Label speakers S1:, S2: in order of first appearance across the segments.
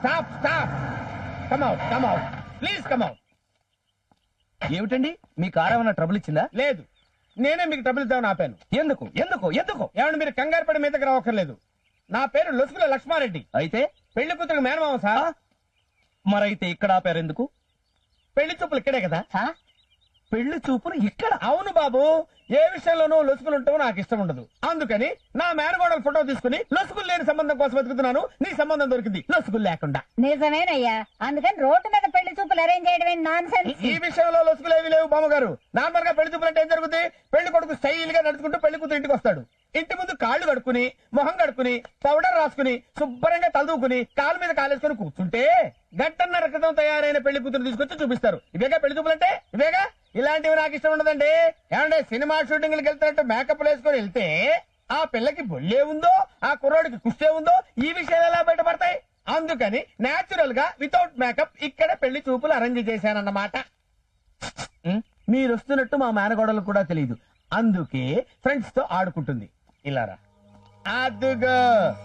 S1: Stop stop come out come out please come out.
S2: ఏమిటండి మీ car ఏమైనా trouble ఇచ్చిందా?
S1: లేదు, నేనే మీకు ట్రబుల్ ఇద్దామని ఆపాను.
S2: ఎందుకు ఎందుకు ఎందుకు?
S1: ఏమంటే మీరు కంగారు పడి మీదకి రావక్కర్లేదు. నా పేరు లొసుగుల లక్ష్మారెడ్డి,
S2: అయితే
S1: పెళ్లి కూతురు మేనమామ సార్.
S2: మరైతే ఇక్కడ ఆపారు ఎందుకు?
S1: పెళ్లి చూపులు ఇక్కడే కదా.
S2: పెళ్లి చూపులు ఇక్కడ?
S1: అవును బాబు, ఏ విషయంలోనూ లొసుగులు ఉంటావో నాకు ఇష్టం ఉండదు. అందుకని నా మేనగోడల ఫోటో తీసుకుని లొసుగులు లేని సంబంధం కోసం వెతుకుతున్నాను. నీ సంబంధం దొరికింది లొసుగులు లేకుండా.
S3: నిజమేనయ్యా, అందుకని రోడ్డు మీద పెళ్లి చూపులు అరేంజ్ చేయడమే నాన్ సెన్స్.
S1: ఈ విషయంలో లొసుగులు ఏవి లేవు బామ్మగారు. నార్మల్ గా పెళ్లి చూపులు అంటే ఏం జరుగుతుంది? పెళ్లి కొడుకు స్టైల్ గా నడుచుకుంటూ పెళ్లి కూతురు ఇంటికి వస్తాడు. ఇంటి ముందు కాళ్ళు కడుక్కుని మొహం కడుక్కుని పౌడర్ రాసుకుని శుభ్రంగా తలదూకుని కాలు మీద కాలేసుకుని కూర్చుంటే గంటన్నర క్రితం తయారైన పెళ్లి కూతురు తీసుకొచ్చి చూపిస్తారు. ఇవేగా పెళ్లి చూపులు అంటే, ఇవేగా. ఇలాంటివి నాకు ఇష్టం ఉండదండి. ఏమంటే సినిమా షూటింగ్లకు వెళ్తున్నట్టు మేకప్ వేసుకొని వెళ్తే ఆ పిల్లకి బొల్లే ఉందో ఆ కుర్రోడికి కుష్టే ఉందో ఈ విషయాలు ఎలా బయటపడతాయి? అందుకని నేచురల్ గా వితౌట్ మేకప్ ఇక్కడ పెళ్లి చూపులు అరేంజ్ చేశానన్నమాట. మీరు వస్తున్నట్టు మా మేనగోడలు కూడా తెలియదు. అందుకే ఫ్రెండ్స్ తో ఆడుకుంటుంది. ఇలారా అదుగో.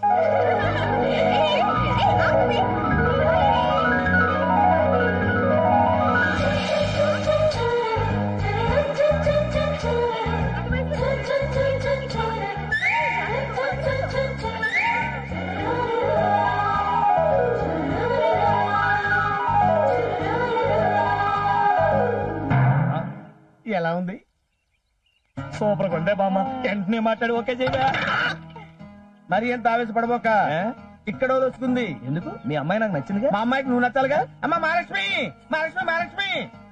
S1: ఎలా ఉంది?
S2: సూపర్ కొండే బామ్మ. వెంటనే మాట్లాడి ఓకే చేయగా.
S1: మరి ఎంత ఆవేశపడబోక. ఇక్కడ వస్తుంది.
S2: ఎందుకు? మీ అమ్మాయి నాకు నచ్చిందిగా.
S1: మా అమ్మాయికి నువ్వు నచ్చాలిగా. అమ్మ మహాలక్ష్మి మహాలక్ష్మి మహాలక్ష్మి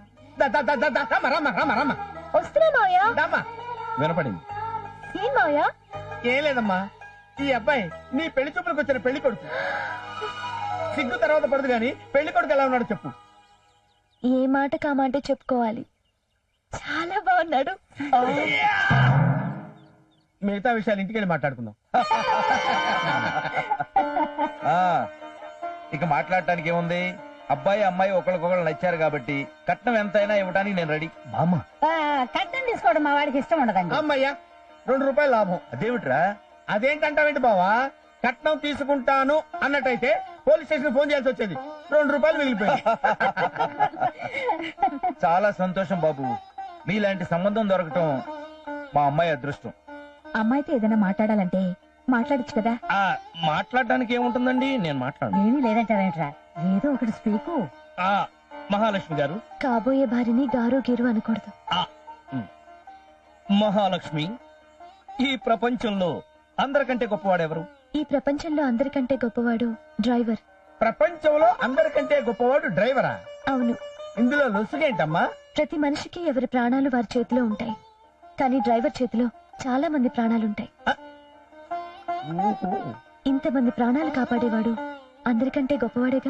S1: రమ్మ.
S3: వస్తున్నా మావయ్య.
S1: దమ్మా.
S2: వినపడింది.
S3: ఏం మావయ్య?
S1: ఏం లేదమ్మా, ఈ అబ్బాయి నీ పెళ్లి చూపులకు వచ్చిన పెళ్లి కొడుకు. సిగ్గు తర్వాత పడదు గాని పెళ్లి కొడుకు ఎలా ఉన్నాడు చెప్పు.
S3: ఏ మాట కామంటే చెప్పుకోవాలి, చాలా బాగున్నాడు.
S1: మిగతా విషయాలు ఇంటికి వెళ్ళి మాట్లాడుకుందాం.
S2: ఇక మాట్లాడటానికి ఏముంది? అబ్బాయి అమ్మాయి ఒకరికొకరు నచ్చారు కాబట్టి కట్నం ఎంతైనా ఇవ్వడానికి నేను రెడీ. బామ్మ,
S3: కట్నం తీసుకోవడం మా వాడికి ఇష్టం ఉండదండి.
S1: అమ్మయ్యా, 2 రూపాయలు లాభం.
S2: అదేమిట్రా?
S1: అదేంటంటావేంటి బావా? కట్నం తీసుకుంటాను అన్నట్టయితే పోలీస్ స్టేషన్ ఫోన్ చేయాల్సి వచ్చేది. 2 రూపాయలు మిగిలిపోయింది.
S2: చాలా సంతోషం బాబు. మీలాంటి సంబంధం దొరకటం మా అమ్మాయి అదృష్టం.
S3: అమ్మాయితో ఏదైనా మాట్లాడాలంటే మాట్లాడచ్చు కదా.
S2: మాట్లాడడానికి ఏముంటుందండి, నేను మాట్లాడను.
S3: ఏమీ లేదంటావేంట్రా, ఏదో ఒకటి స్పీకు.
S2: మహాలక్ష్మి గారు,
S3: కాబోయే భార్యని గారు గీరు అనకూడదు.
S2: మహాలక్ష్మి, ఈ ప్రపంచంలో అందరికంటే గొప్పవాడెవరు?
S3: ఈ ప్రపంచంలో అందరికంటే గొప్పవాడు డ్రైవర్.
S1: ప్రపంచంలో అందరికంటే గొప్పవాడు డ్రైవరా?
S3: అవును.
S1: ఇందులో లొసుగేంటమ్మా?
S3: ప్రతి మనిషికి ఎవరి ప్రాణాలు వారి చేతిలో ఉంటాయి, కానీ డ్రైవర్ చేతిలో చాలా మంది ప్రాణాలుంటాయి. ఇంతమంది ప్రాణాలు కాపాడేవాడు అందరికంటే గొప్పవాడేగా.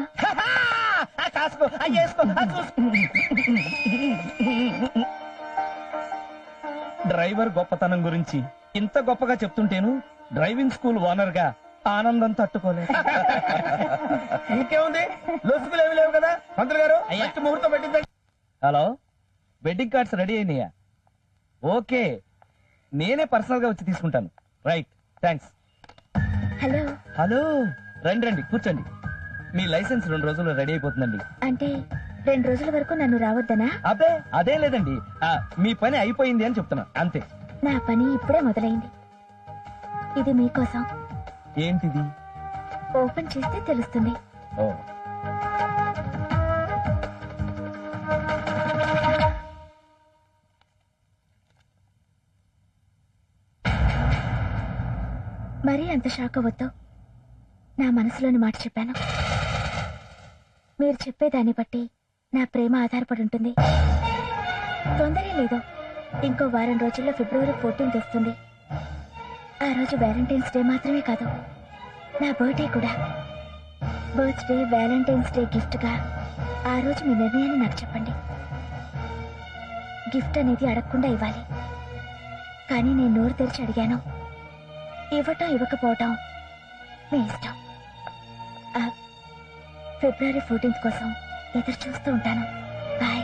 S2: డ్రైవర్ గొప్పతనం గురించి ఇంత గొప్పగా చెప్తుంటేను డ్రైవింగ్ స్కూల్ ఓనర్ గా ఆనందం తట్టుకోలేదు.
S1: ఇంకేముంది, లొసుగులు ఏమి లేవు కదా. మంత్రులు గారు మంచి ముహూర్తం పెట్టిందండి.
S2: హలో, వెడ్డింగ్ కార్డ్స్ రెడీ అయినాయా? ఓకే, నేనే పర్సనల్ గా వచ్చి తీసుకుంటాను. Right, thanks.
S3: హలో.
S2: హలో, రండి రండి కూర్చోండి. మీ లైసెన్స్ 2 రోజుల్లో రెడీ అయిపోతుందండి.
S3: అంటే 2 రోజుల వరకు నన్ను రావద్దనా?
S2: అదే అదే లేదండి, మీ పని అయిపోయింది అని చెప్తున్నా అంతే.
S3: నా పని ఇప్పుడే మొదలైంది. ఇది మీకోసం.
S2: ఏంటిది?
S3: ఓపెన్ చేస్తే తెలుస్తుంది.
S2: ఓ,
S3: మరీ అంత షాక్ అవ్వద్దు. నా మనసులోని మాట చెప్పాను. మీరు చెప్పేదాన్ని బట్టి నా ప్రేమ ఆధారపడి ఉంటుంది. తొందరే లేదు, ఇంకో వారం రోజుల్లో ఫిబ్రవరి 14 వస్తుంది. ఆ రోజు వ్యాలంటైన్స్ డే మాత్రమే కాదు, నా బర్త్డే కూడా. బర్త్డే, వ్యాలంటైన్స్ డే గిఫ్ట్ గా ఆ రోజు మీ నిర్ణయాన్ని నాకు చెప్పండి. గిఫ్ట్ అనేది అడగకుండా ఇవ్వాలి, కానీ నేను నోరు తెరిచి అడిగాను. ఇవ్వటం ఇవ్వకపోవటం మీ ఇష్టం. ఫిబ్రవరి 14 కోసం ఎదురు చూస్తూ ఉంటాను. బాయ్.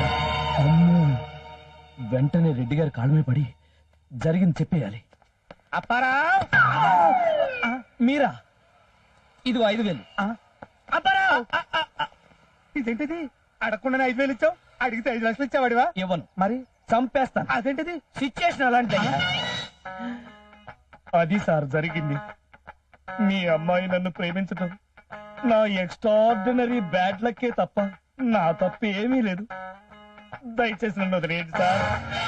S2: వెంటనే రెడ్డి గారి కాళ్ళ మీద పడి జరిగింది చెప్పేయాలి.
S1: అప్పారావు
S2: మీరా? ఇది 5,000.
S1: అప్పారావు ఇదేంటిది? అడగకుండా 5,000 ఇచ్చావు, అడిగితే 5 లక్షలు ఇచ్చావాడివా?
S2: ఇవ్వను,
S1: మరి
S2: చంపేస్తాను.
S1: అదేంటిది?
S2: సిచ్యుయేషన్ అలాంటి. అది సార్ జరిగింది. మీ అమ్మాయి నన్ను ప్రేమించటం నా ఎక్స్ట్రాడినరీ బ్యాడ్ లక్కే తప్ప నా తప్పు ఏమీ లేదు. దయచేసి నన్ను వదిలేయండి సార్.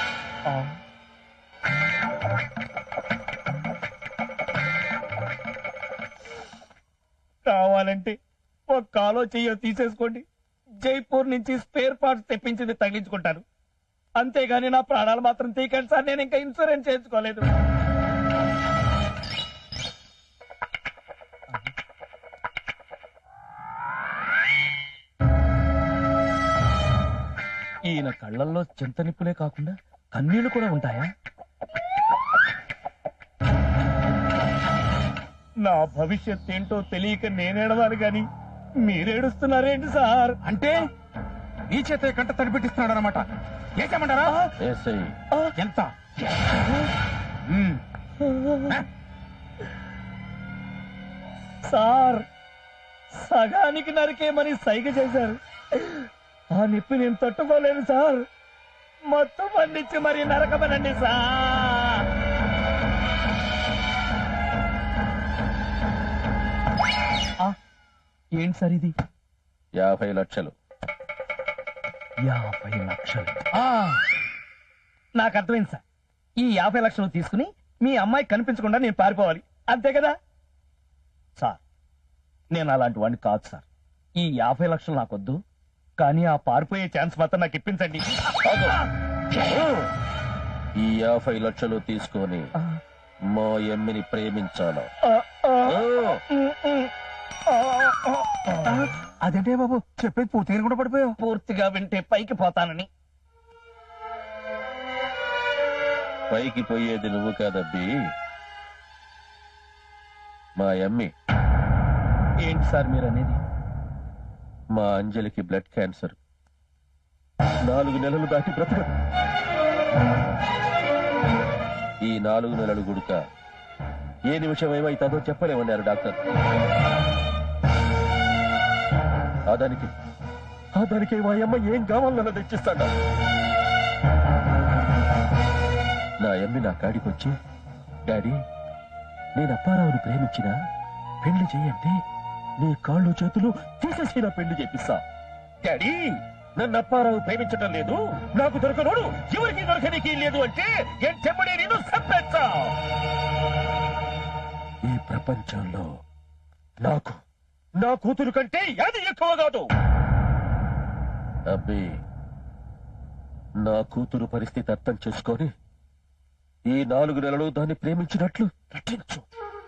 S2: కావాలంటే ఒక కాలో చెయ్యో తీసేసుకోండి, జైపూర్ నుంచి స్పేర్ పార్ట్స్ తెప్పించింది తగిలించుకుంటాను. అంతేగాని నా ప్రాణాలు మాత్రం తీయకండి సార్. నేను ఇంకా ఇన్సూరెన్స్ చేయించుకోలేదు. ఈయన కళ్ళల్లో చింత నిప్పులే కాకుండా కన్నీళ్లు కూడా ఉంటాయా? నా భవిష్యత్ ఏంటో తెలియక నేనేడవాలి గాని మీరేడుస్తున్నారేంటి సార్?
S1: అంటే ఈ చేత కంట తడిపెట్టిస్తున్నాడు అనమాట. ఏసేమంటారా? ఎంత?
S2: సార్, సగానికి నరికేమని సైగ చేశారు. ఆ నిప్పి నేను తట్టుకోలేను సార్. మొత్తం పండించి మరి నరకమనండి సార్. ఏంటి సార్ ఇది?
S4: 50 లక్షలు.
S2: 50 లక్షలు? నాకు అర్థమైంది సార్. ఈ 50 లక్షలు తీసుకుని మీ అమ్మాయి కనిపించకుండా నేను పారిపోవాలి, అంతే కదా సార్? నేను అలాంటి వాడిని కాదు సార్. ఈ 50 లక్షలు నాకొద్దు, కానీ ఆ పారిపోయే ఛాన్స్ మాత్రం నాకు ఇప్పించండి.
S4: ఈ 50 లక్షలు తీసుకొని మా ఎమ్మిని ప్రేమించాలా?
S1: అదేంటే బాబు చెప్పేది పూర్తిగా కూడా పడిపోయావు.
S2: పూర్తిగా వింటే పైకి పోతానని.
S4: పైకి పోయేది నువ్వు కాదబ్బి, మా ఎమ్మి.
S2: ఏంటి సార్ మీరు అనేది?
S4: మా అంజలికి బ్లడ్ క్యాన్సర్. 4 నెలలు దాటి బ్రతకదు. ఈ 4 నెలలు గుడుక ఏ నిమిషం ఏమైతుందో చెప్పలేమన్నారు డాక్టర్. దానికి మా అమ్మ ఏం కావాలన్నా తెచ్చిస్తాడా? నా అమ్మి నా కాడికొచ్చి, డాడీ నేను అప్పారావుని ప్రేమించినా పెళ్లి చేయండి, నీ కాళ్ళు చేతులు తీసేసి నా పెళ్లి చేపిస్తా. డాడీ నన్ను అప్పారావు ప్రేమించటం లేదు, నాకు దొరకనోడు ఎవరికి దొరకనికి లేదు అంటే చెమ్మడే నేను చంపేస్తా. ఈ ప్రపంచంలో నాకు నా కూతురు కంటే అది ఎక్కువ కాదు. అబ్బే, నా కూతురు పరిస్థితి అర్థం చేసుకొని ఈ 4 నెలలు దాన్ని ప్రేమించినట్లు నటించు.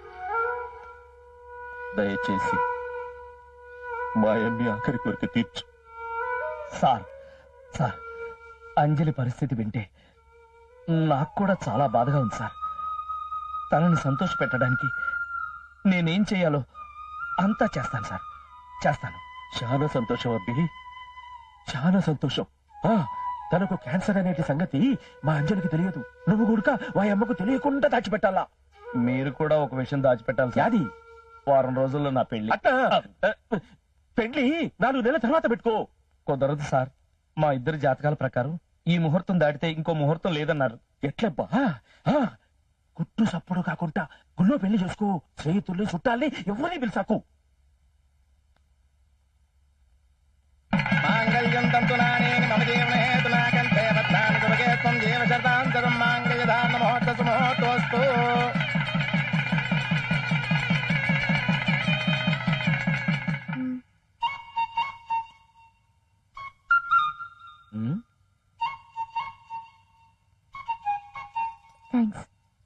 S4: దయచేసి మా అమ్మి ఆఖరి కోరిక తీర్చు.
S2: సార్, అంజలి పరిస్థితి వింటే నాకు కూడా చాలా బాధగా ఉంది సార్. తనని సంతోష పెట్టడానికి నేనేం చేయాలో అంతా చేస్తాను సార్, చేస్తాను.
S4: చాలా సంతోషం అబ్బి, చాలా సంతోషం. తనకు క్యాన్సర్ అనేటి సంగతి మా అంజలికి తెలియదు. నువ్వు కూడా మా అమ్మకు తెలియకుండా దాచిపెట్టాలా.
S2: మీరు కూడా ఒక విషయం దాచిపెట్టాలి సార్.
S4: అది
S2: వారం రోజుల్లో నా పెళ్లి.
S4: పెళ్లి 4 నెలల తర్వాత పెట్టుకో.
S2: కుదరదు సార్. మా ఇద్దరి జాతకాల ప్రకారం ఈ ముహూర్తం దాటితే ఇంకో ముహూర్తం లేదన్నారు.
S4: ఎట్లబ్బా? కుట్టు సప్పుడు కాకుండా గుళ్ళో పెళ్లి చేసుకో. స్నేహితుల్ని చుట్టాలని ఎవరిని పిలిచాకు.
S1: మాంగళ్యం తంతునానేన మమ జీవన హేతునా కంఠే బద్ధామి శుభగే త్వం జీవ శరదాం శతం మాంగళ్యధారణ ముహూర్తసు ముహూర్తోస్తు.
S3: థ్యాంక్స్.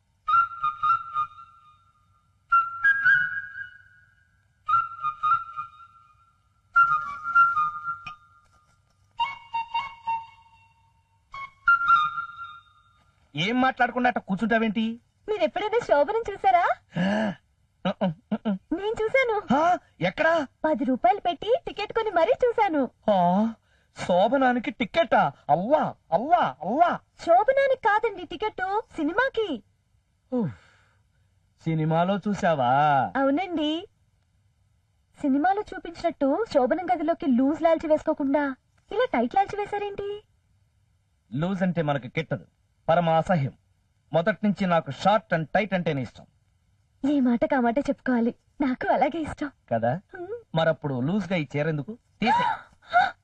S2: ఏం మాట్లాడకుండా అట్ట కూర్చుంటావేంటి?
S3: మీరు ఎప్పుడైనా శోభనం చూసారా? నేను చూశాను.
S2: ఎక్కడా?
S3: 10 రూపాయలు పెట్టి టికెట్ కొని మరీ చూశాను.
S2: శోభనానికి టికెటా? అవ్వా అవ్వా అవ్వా.
S3: శోభనానికి కాదండి టికెట్, సినిమాకి.
S2: సినిమాలో చూసావా?
S3: అవునండి. సినిమాలో చూపించినట్టు శోభనం గదిలోకి లూజ్ లాల్చి వేసుకోకుండా ఇలా టైట్ లాల్చి వేశారేంటి?
S2: లూజ్ అంటే మనకు కిట్టదు, పరమ అసహ్యం. మొదటి నుంచి నాకు షార్ట్ అండ్ టైట్ అంటేనే ఇష్టం.
S3: ఈ మాట కామాట చెప్పుకోవాలి, నాకు అలాగే ఇష్టం.
S2: కదా? మరప్పుడు లూజ్ గా ఈ చీర ఎందుకు? తీసే.